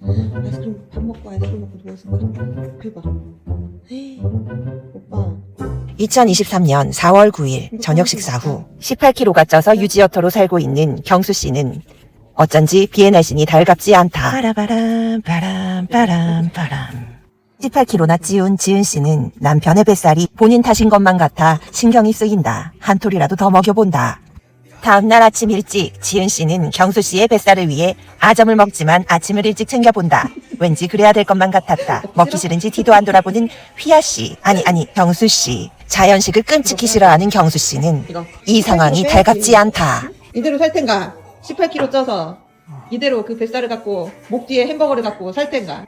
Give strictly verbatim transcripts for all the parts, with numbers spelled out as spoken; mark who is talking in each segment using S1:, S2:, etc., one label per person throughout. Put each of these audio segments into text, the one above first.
S1: 아이스크림 밥 먹고 아이스크림 먹고 누워있을 거야. 대박. 에이, 오빠.
S2: 이천이십삼 년 사월 구일 저녁 식사 후 십팔 킬로그램가 쪄서 유지어터로 살고 있는 경수 씨는 어쩐지 비의 날씬이 달갑지 않다. 바라바람 바람 바람 바람. 십팔 킬로그램나 찌운 지은 씨는 남편의 뱃살이 본인 탓인 것만 같아 신경이 쓰인다. 한 톨이라도 더 먹여본다. 다음날 아침 일찍 지은 씨는 경수 씨의 뱃살을 위해 아점을 먹지만 아침을 일찍 챙겨본다. 왠지 그래야 될 것만 같았다. 먹기 싫은지 뒤도 안 돌아보는 휘아 씨, 아니 아니 경수 씨. 자연식을 끔찍히 싫어하는 경수 씨는 이 상황이 달갑지 않다.
S1: 이대로 살 텐가? 십팔 킬로그램 쪄서 이대로 그 뱃살을 갖고 목 뒤에 햄버거를 갖고 살 텐가?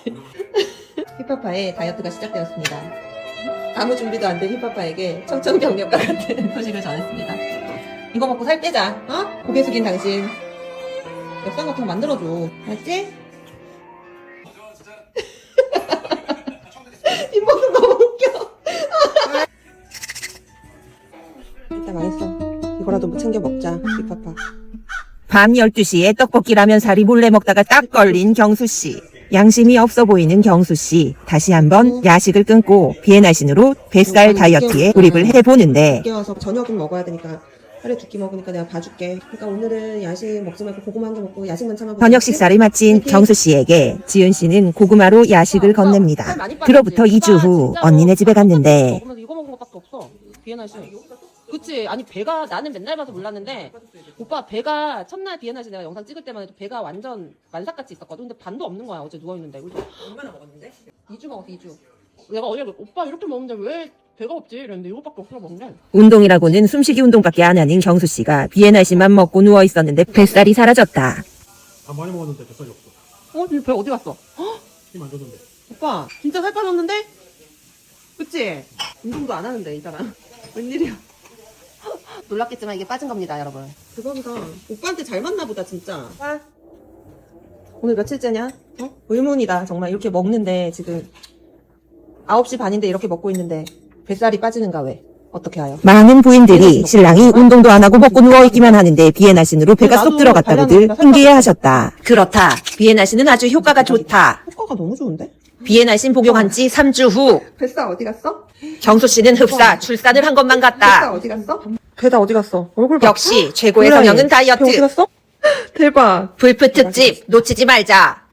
S1: 힙합파의 다이어트가 시작되었습니다. 아무 준비도 안 된 힙합파에게 청천벽력과 같은 소식을 전했습니다. 이거 먹고 살 빼자. 어? 고개 숙인 당신 역상 같은 거 만들어줘. 알았지? 뒷모습 너무 웃겨. 일단 망했어. 이거라도 뭐 챙겨 먹자. 힙합파.
S2: 밤 열두 시에 떡볶이 라면 사리 몰래 먹다가 딱 걸린 경수 씨. 양심이 없어 보이는 경수 씨. 다시 한번 야식을 끊고 비의 날씬으로 뱃살 다이어트에 돌입을 해보는데
S1: 늦게 와서 저녁은 먹어야 되니까 하루에 두 끼 먹으니까 내가 봐줄게. 그러니까 오늘은 야식 먹지 말고 고구마 한 개 먹고 야식만 참아보자.
S2: 저녁 식사를 마친 경수 씨에게 지은 씨는 고구마로 야식을 건넵니다. 그로부터 이 주 후 언니네 집에 갔는데
S3: 먹으면서 이거 먹은 것밖에 없어. 비엔나 씨. 그치? 아니 배가 나는 맨날 봐서 몰랐는데 오빠 배가 첫날 비엔나 씨 내가 영상 찍을 때만 해도 배가 완전 만삭같이 있었거든. 근데 반도 없는 거야. 어제 누워있는데.
S1: 얼마나 먹었는데?
S3: 이 주 먹었어. 이 주. 내가 어제 오빠 이렇게 먹는데 왜 배가 없지? 이랬는데 이거밖에 없어 먹는데.
S2: 운동이라고는 숨쉬기 운동밖에 안 하는 경수 씨가 비의 날씨만 먹고 누워 있었는데 뱃살이 사라졌다.
S4: 밥 많이 먹었는데 뱃살이 없어.
S3: 어? 배 어디 갔어? 헉?
S4: 힘 안 줬는데.
S3: 오빠 진짜 살 빠졌는데? 그치? 운동도 안 하는데 이 사람. 웬일이야? 놀랐겠지만 이게 빠진 겁니다 여러분.
S1: 대박이다. 오빠한테 잘 맞나 보다 진짜. 오빠 오늘 며칠째냐? 어? 의문이다 정말. 이렇게 먹는데 지금 아홉 시 반인데 이렇게 먹고 있는데 뱃살이 빠지는가 왜? 어떻게 하여?
S2: 많은 부인들이 신랑이 운동도 안 하고 먹고 누워있기만 하는데 비의 날씨로 배가 쏙 들어갔다고들 흥기해하셨다. 그렇다. 비의 날씨는 아주 효과가 좋다.
S1: 효과가 너무 좋은데?
S2: 비의 날씨 복용한 지 삼 주 후
S1: 뱃살 어디 갔어?
S2: 경수 씨는 흡사 출산을 한 것만
S1: 뱃살
S2: 같다.
S1: 어디 갔어? 배다 어디 갔어? 얼굴 봐.
S2: 역시 최고의
S1: 그래.
S2: 성형은
S1: 배 어디
S2: 다이어트.
S1: 갔어? 대박.
S2: 불프 특집 놓치지 말자.